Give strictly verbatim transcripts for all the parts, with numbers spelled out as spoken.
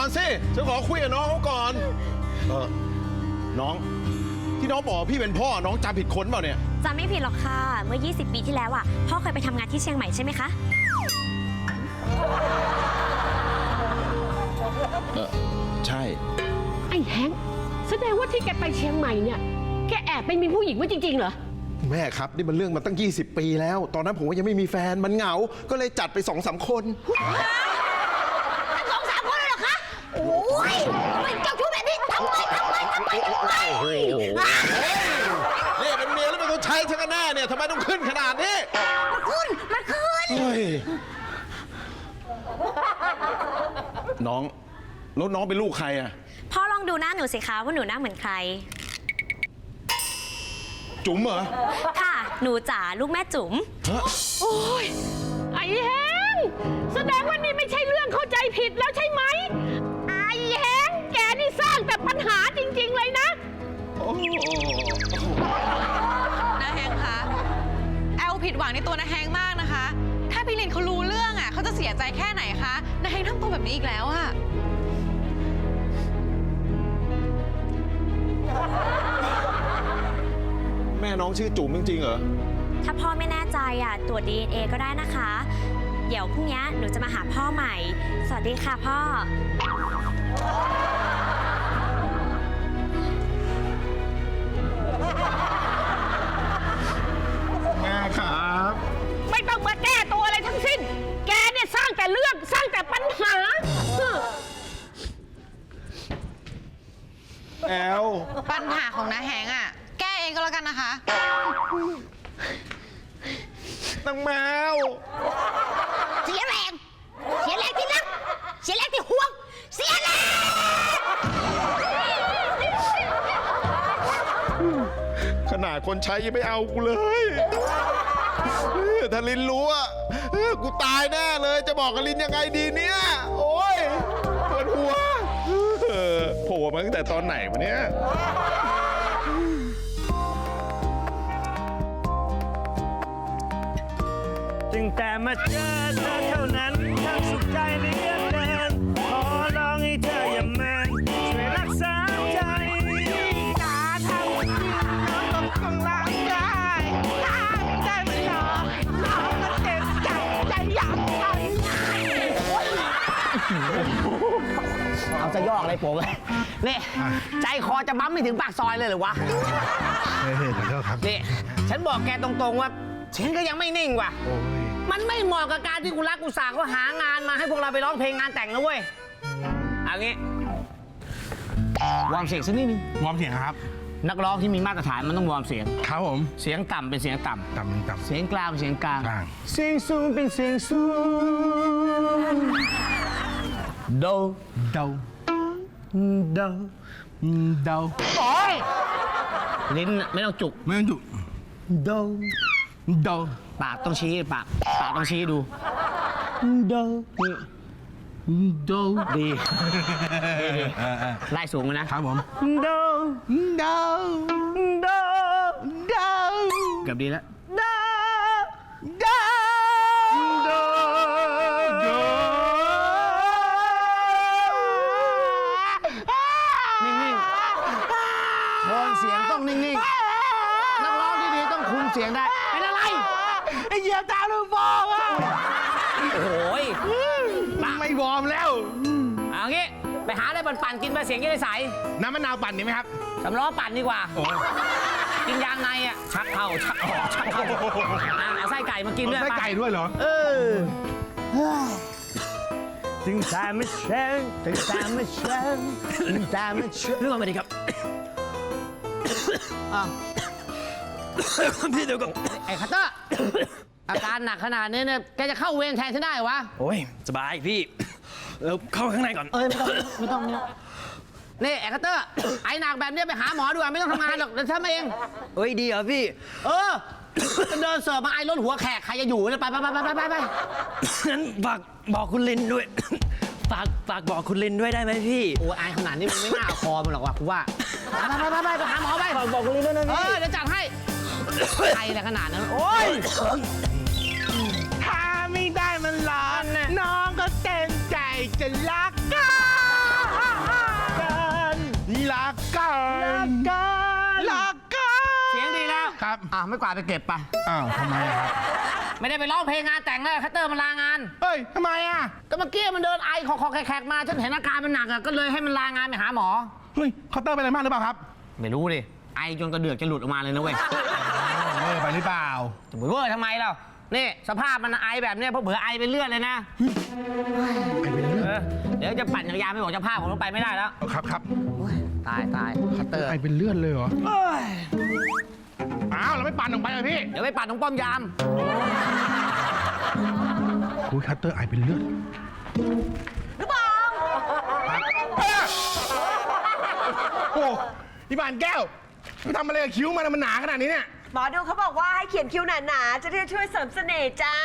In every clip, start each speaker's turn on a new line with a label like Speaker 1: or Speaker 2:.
Speaker 1: สิฉันขอคุยกับน้องเขาก่อนเออน้องที่น้องบอกพี่เป็นพ่อน้องจำผิดคนเปล่าเนี่ย
Speaker 2: จำไม่ผิดหรอกค่ะเมื่อยี่สิบปีที่แล้วอ่ะพ่อเคยไปทำงานที่เชียงใหม่ใช่ไหมคะ
Speaker 1: เออใช่
Speaker 3: ไอ้แฮงแสดงว่าที่แกไปเชียงใหม่เนี่ยแกแอบไปมีผู้หญิงไว้จริงๆเหรอ
Speaker 1: แม่ครับนี่มันเรื่องมาตั้งยี่สิบปีแล้วตอนนั้นผมก็ยังไม่มีแฟนมันเหงาก็เลยจัดไปสองสามคน
Speaker 3: สองสามคนเหรอคะโอ้ยทำไมเจ้าชู้แบบนี้ทำไมทำไมทำไมทำไม
Speaker 1: เนี่ยเป็นเมียแล้วเป็นคนใช้ฉันกันแน่เนี่ยทำไมต้องขึ้นขนาดนี้
Speaker 3: มันขึ้นมันขึ้น
Speaker 1: น้องแล้วน้องเป็นลูกใครอ่ะ
Speaker 2: พ่อลองดูหน้าหนูสิคะว่าหนูหน้าเหมือนใคร
Speaker 1: จุ๋มเหรอ
Speaker 2: ค่ะหนูจ๋าลูกแม่จุ๋ม
Speaker 3: โอ้ยไอ้แฮงแสดงว่านี่ไม่ใช่เรื่องเข้าใจผิดแล้วใช่ไหมไอ้แฮงแกนี่สร้างแต่ปัญหาจริงๆเลยนะ
Speaker 4: น้าแฮงคะแอลผิดหวังในตัวน้าแฮงมากนะคะถ้าพี่ลินเขารู้เรื่องอ่ะเขาจะเสียใจแค่ไหนคะน้าแฮงทำตัวแบบนี้อีกแล้วอะ
Speaker 1: แม่น้องชื่อจุ๋มจริงๆเหรอ
Speaker 2: ถ้าพ่อไม่แน่ใจอ่ะตรวจ ดี เอ็น เอ ก็ได้นะคะเดี๋ยวพรุ่งนี้หนูจะมาหาพ่อใหม่สวัสดีค่ะพ่อ
Speaker 1: แม่ครับ
Speaker 3: ไม่ต้องมาแก้ตัวอะไรทั้งสิ้นแกเนี่ยสร้างแต่เรื่องสร้างแต่ปัญหา
Speaker 1: แอล
Speaker 4: ปัญหาของน้าแฮงอ่ะแก้เองก็แล้วกันนะคะ
Speaker 1: นางแมว
Speaker 3: เสียแรงเสียแรงที่รักเสียแรงที่ห่วงเสียแรง
Speaker 1: ขนาดคนใช้ยังไม่เอากูเลยถ้าลินรู้อ่ะกูตายแน่เลยจะบอกกับลินยังไงดีเนี่ยโอ้ยปวดหัวโผล่มาตั้งแต่ตอนไหนวะเนี่ย
Speaker 5: ตั้งแต่มาเจอเธอเท่านั้นทั้งสุขใจเหลือเกินขอร้องให้เธออย่าแม้นช่วยรักษาใจตาทำให้น้องต้องกำลังได้ได้ไหมน้องน้องมันเต็มใจใจอยากไป
Speaker 6: เอาจะยอกอะไรผมเลยนี่ใจคอจะบั๊มไม่ถึงปากซอยเลยหรือวะ
Speaker 1: เฮ้ยขอโทษครับ
Speaker 6: นี่ฉันบอกแกตรงๆว่าฉันก็ยังไม่นิ่งว่ะมันไม่เหมาะกับการที่กูรักกูสาเขาหางานมาให้พวกเราไปร้องเพลงงานแต่งนะเว้ยเอางี้วอร์มเสียงสักนิดนึง
Speaker 5: วอร์มเสียงครับ
Speaker 6: นักร้องที่มีมาตรฐานมันต้องวอร์มเสียง
Speaker 5: ครับผม
Speaker 6: เสียงต่ำเป็นเสียงต่ำ
Speaker 5: ต่ำต่ำ
Speaker 6: เสียงกลางเป็นเสียงกลาง
Speaker 5: เสียงสูงเป็นเสียงสูง
Speaker 6: โด
Speaker 5: โดโดโด
Speaker 6: โอ้ยลิ้นไม่ต้องจุก
Speaker 5: ไม่ต้องจุกโดโด
Speaker 6: ปากต้องชี้ปากปากต้องชี้ดูโดนี่โดดีไล่สูงเลยนะครับ
Speaker 5: ผมโดโดโดโด
Speaker 6: เกือบดีแล้ว
Speaker 5: โดโดโดโด
Speaker 6: นิ่งๆโทนเสียงต้องนิ่งๆนักร้องที่ดีต้องคุมเสียงได้เป็นอะไร
Speaker 5: ไอ้เหยียบตาลูกบอลอ่ะ
Speaker 6: โอ้ย
Speaker 5: ไม่วอร์มแล้ว
Speaker 6: เอางี้ไปหาอะไรปั่นๆกินไปเสียงจะได้ใส
Speaker 5: น้ำมะนาวปั่นดีไหมครับ
Speaker 6: สำล้อปั่นดีกว่ากินยางในอ่ะชักเข้าชักออกชักเข้าเอาไส้ไก่มากินด้วย
Speaker 5: ไส้ไก่ด้วยเหรอ
Speaker 6: เออ
Speaker 5: ถึงตาไม่เช่นถึงตาไม่เช่นถึงตาไม่เช่น
Speaker 6: เรื่องอะไรดีครับพี่เดี๋ยวก่อนไอ้คัตเตอร์อาการหนักขนาดนี้เนี่ยแกจะเข้าเวรแทนฉันได้วะ
Speaker 5: โอ้ยสบายพี่เราเข้าข้างในก่อน
Speaker 6: เอ้ยไม่ต้องไม่ต้องเนี่ยนี่ไอ้คัตเตอร์ไอ้หนักแบบนี้ไปหาหมอดีกว่าไม่ต้องทำงานหรอกเดี๋ยวทำเอง
Speaker 5: เฮ้ยดีเหรอพี่
Speaker 6: เออเดินเสิร์ฟมาไอ้รถหัวแขกใครจะอยู่เนี่ยไปไปไปไปไปไป
Speaker 5: งั้นฝากบอกคุณลินด้วยฝากฝากบอกคุณลินด้วยได้ไหมพี่
Speaker 6: โอ้ไอ้ขนาดนี้มันไม่น่าคอมันหรอกว่ะกูว่าไปไปไปไปหาหมอไป
Speaker 5: บอกคุณลินด้วยนะพี่
Speaker 6: เออเดี๋ยวจัดให้ไอ้อะไรขนาดนั้นโอ้ย
Speaker 5: ถ้าไม่ได้มันร้อนน้องก็เต็มใจจะรักกัน
Speaker 6: อ่ะไม่กวาดไปเก็บไป
Speaker 7: อ้าวทำไมอะครับ
Speaker 6: ไม่ได้ไปร้องเพลงงานแต่งเลยคัตเตอร์มันลางาน
Speaker 7: เฮ้ยทำไมอ่ะ
Speaker 6: ก็เมื่อกี้มันเดินไอคอคอแขกๆมาฉันเห็นอาการมันหนักอ่ะก็เลยให้มันลางานไปหาหมอ
Speaker 7: เฮ้ยเคาน์เตอร์เป็นอะไรมากหรือเปล่าครับ
Speaker 6: ไม่รู้ดิไอจนกระเดือกจะหลุดออกมาเลยนะเว้ย
Speaker 7: เออไปหรือเปล่า
Speaker 6: จะไปเวอร์ทำไมเรานี่สภาพมันไอแบบเนี้ยเพราะเผื่อไอเป็นเลือดเลยนะ
Speaker 7: ไอเป็นเรื่อง
Speaker 6: เออเดี๋ยวจะปั่นจักรยานไปบอกเจ้าภาพผมต้องไปไม่ได้แล้ว
Speaker 7: ครับครับ
Speaker 6: ตายตายคัตเตอร์
Speaker 7: ไอเป็นเลือดเลยเหรออ้าวเราไม่ปั่นออกไปเลยพี่
Speaker 6: เดี๋ยวไปปั่นตรงป้อมยาม
Speaker 7: คุยคัตเตอร์ไอเป็นเลือดหรือเปล่าโอ้พี่บานแก้วไปทำอะไรกับคิ้วมันอะมันหนาขนาดนี้เนี่ย
Speaker 8: หมอดูเขาบอกว่าให้เขียนคิ้วหนาๆ จะได้ช่วยเสริมเสน่ห์จ้า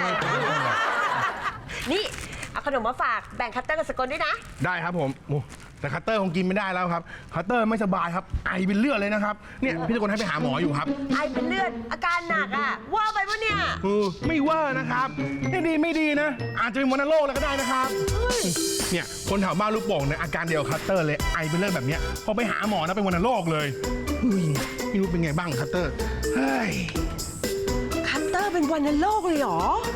Speaker 8: นี่ เอาขนมมาฝากแบ่งคัตเตอร์กับสกลด้วยนะ
Speaker 7: ได้ครับผมโอ้แต่คัตเตอร์คงกินไม่ได้แล้วครับคัตเตอร์ไม่สบายครับไอเป็นเลือดเลยนะครับเนี่ยพี่ตะโกนให้ไปหาหมออยู่ครับ
Speaker 8: ไอเป็นเลือดอาการหนักอ่ะ ว่าไปปะเนี่ย
Speaker 7: เออไม่เว่านะครับไม่ดีไม่ดีนะ อาจจะเป็นวัณโรคแล้วก็ได้นะครับเนี่ยคนแถวบ้านลูกโป่งเนี่ยอาการเดียวกับคัตเตอร์เลยไอเป็นเลือดแบบเนี้ยพอไปหาหมอนะเป็นวัณโรคเลยเฮ้ยไม่รู้เป็นไงบ้างคัตเตอร์เฮ้ย
Speaker 8: คัตเตอร์เป็นวัณโรคเลยเหรอ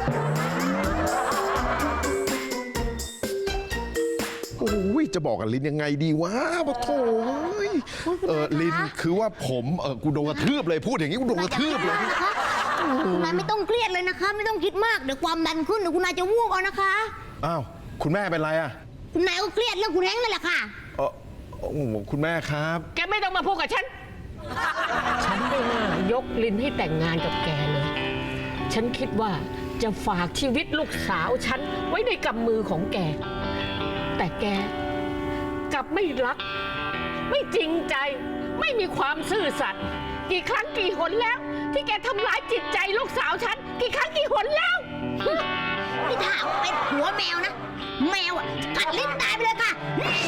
Speaker 1: โอ้ยจะบอกกับลินยังไงดีวะปะโถยเออลินคือว่าผมเออกูโดนกระทืบเลยพูดอย่างนี้กูโดนกระทืบเลย
Speaker 9: นะคะคุณนายไม่ต้องเครียดเลยนะคะ ไม่ต้องคิดมากเดี๋ยวความดันขึ้นเดี๋ยวคุณนายจะวูบเอานะคะ
Speaker 1: อ้าวคุณแม่เป็นไรอ่ะ
Speaker 9: คุณนายก็เครียดเรื่องคุณแฮงค์นั่นแหละค่ะ
Speaker 1: เออโอ้โหคุณแม่ครับ
Speaker 3: แกไม่ต้องมาพูดกับฉัน ฉันไม่น่ายกลินให้แต่งงานกับแกเลย ฉันคิดว่าจะฝากชีวิตลูกสาวฉันไว้ในกำมือของแก แต่แกกลับไม่รัก ไม่จริงใจ ไม่มีความซื่อสัตย์กี่ครั้งกี่หนแล้ว ที่แกทำร้ายจิตใจลูกสาวฉัน กี่ครั้งกี่หนแล้ว
Speaker 9: นี่ถ้าเป็นหัวแมวนะ แมวอ่ะกัดลิ้นตายไปเลยค่ะ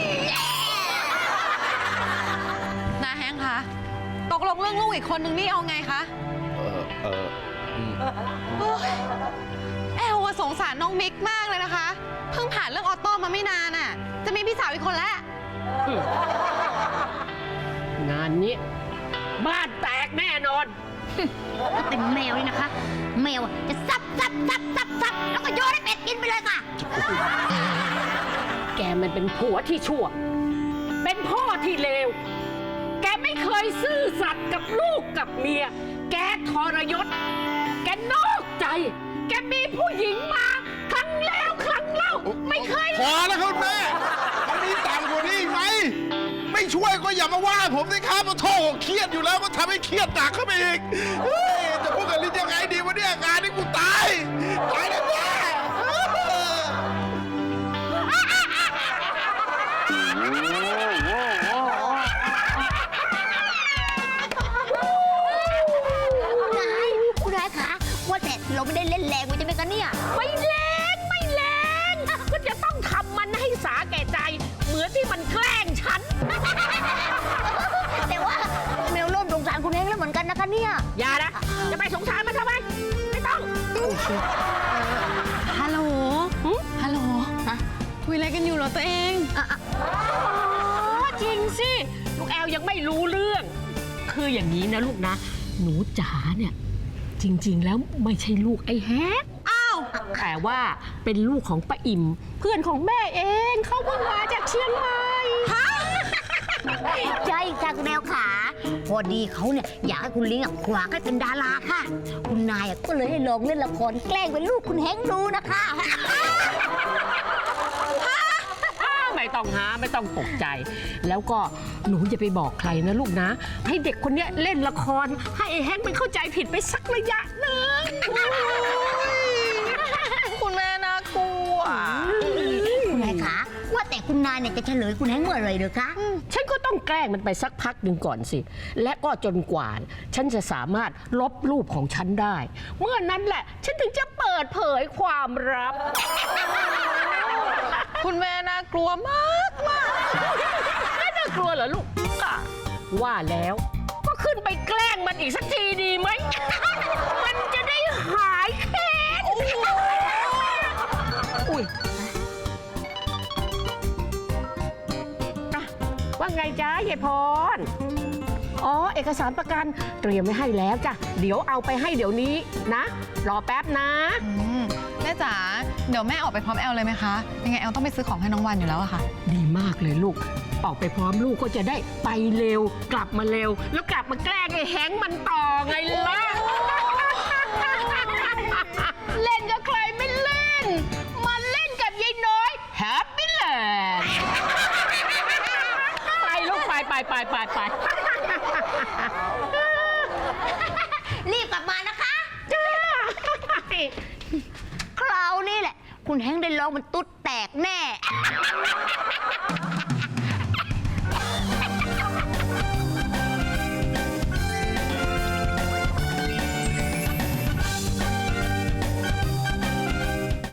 Speaker 4: นาแฮงค์คะ ตกลงเรื่องลูกอีกคนนึงนี่เอาไงคะ
Speaker 1: เออเอออืม
Speaker 4: โอ๊ยแอลว่าสงสารน้องมิกมากเลยนะคะ เพิ่งผ่านเรื่องออโต้มาไม่นานน่ะ จะมีพี่สาวอีกคนแล้ว
Speaker 3: งานนี้บ้านแตกแน่นอน
Speaker 9: ถ้าเป็นแมวนี่นะคะ แมวอ่ะจะซับซับซับซับซับแล้วก็โยนให้เป็ดกินไปเลยค่ะ
Speaker 3: แกมันเป็นผัวที่ชั่ว เป็นพ่อที่เลว แกไม่เคยซื่อสัตย์กับลูกกับเมีย แกทรยศ แกนอกใจ แกมีผู้หญิงมาครั้งแล้วครั้งเล่า ไม่เคย
Speaker 1: พอแล้วครับแม่มันมีต่ำกว่านี้อีกไหมไม่ช่วยก็อย่ามาว่าผมสิครับมาโทษเครียดอยู่แล้วก็ทำให้เครียดหนักเข้าไปอีกเฮ้ยจะพูดกับลินยังไงดีวะเนี่ยงานนี้กูตายตายแน่ๆ
Speaker 9: คุณนายคุณนายคะว่าแต่เราไม่ได้เล่นแรงไว้ใช่ไหมคะเนี่ย
Speaker 3: ไม่แรงไม่แรงก็จะต้องทำมันให้สาแก่ใจ เหมือนที่มันแกล้งฉัน
Speaker 9: แต่ว่าแมวเริ่มสงสารคุณแฮงค์แล้วเหมือนกันนะคะเนี่ย
Speaker 3: อย่านะ จะไปสงสารมันทำไม ไม่ต้อง
Speaker 4: ฮัลโหล ฮัลโหล คุยอะไรกันอยู่เหรอตัวเอง
Speaker 3: อ๋อจริงสิ ลูกแอลยังไม่รู้เรื่อง คืออย่างนี้นะลูกนะ หนูจ๋าเนี่ย จริงๆแล้วไม่ใช่ลูกไอ้แฮกอ้าวแต่ว่าเป็นลูกของป้าอิ่ม เพื่อนของแม่เองเขาเพิ่งมาจากเชียงใหม่ฮะ
Speaker 9: ใช่ค่ะคุณแมวขาพอดีเขาเนี่ยอยากให้คุณลิงอ่ะขวากให้เป็นดาราค่ะ คุณนายอ่ะก็เลยให้ลองเล่นละครแกล้งเป็นลูกคุณแฮงค์ดูนะคะ
Speaker 3: ไม่ต้องหาไม่ต้องตกใจ แล้วก็หนูอย่าไปบอกใครนะลูกนะ ให้เด็กคนเนี้ยเล่นละคร ให้ไอ้แฮงค์มันเข้าใจผิดไปสักระยะหนึ่ง
Speaker 4: คุณแม่น่ากลัว
Speaker 9: คุณนายขาว่าแต่คุณนายเนี่ยจะเฉลยคุณแฮงค์เมื่อไหรเด้อคะ
Speaker 3: ฉันก็ต้องแกล้งมันไปสักพักหนึ่งก่อนสิ และก็จนกว่า ฉันจะสามารถลบรูปของฉันได้ เมื่อนั้นแหละ ฉันถึงจะเปิดเผยความลับ
Speaker 4: คุณแม่น่ากลัวมากมาก
Speaker 3: ไม่น่ากลัวเหรอลูกอ่ะว่าแล้วก็ขึ้นไปแกล้งมันอีกสักทีดีไหม มันจะได้หายแค้นอุ้ยอ่ะว่าไงจ๊ะยายพรอ๋อ เอกสารประกันเตรียมไว้ให้แล้วจ้ะ เดี๋ยวเอาไปให้เดี๋ยวนี้นะ รอแป๊บนะ
Speaker 4: อืมแม่จ๋า เดี๋ยวแม่ออกไปพร้อมแอลเลยไหมคะ ยังไงแอลต้องไปซื้อของให้น้องวันอยู่แล้วอะค่ะ
Speaker 3: ดีมากเลยลูก ออกไปพร้อมลูกก็จะได้ไปเร็ว กลับมาเร็ว แล้วกลับมาแกล้งไอ้แฮงค์มันต่อไงล่ะ เล่นกับใครไม่เล่น มาเล่นกับยายน้อยแฮปปี้แลนด์ไปลูกไปไปไปไปไป
Speaker 9: รีบกลับมานะคะ คราวนี้แหละ คุณแฮงค์ได้ร้องมันตุ๊ดแตกแน่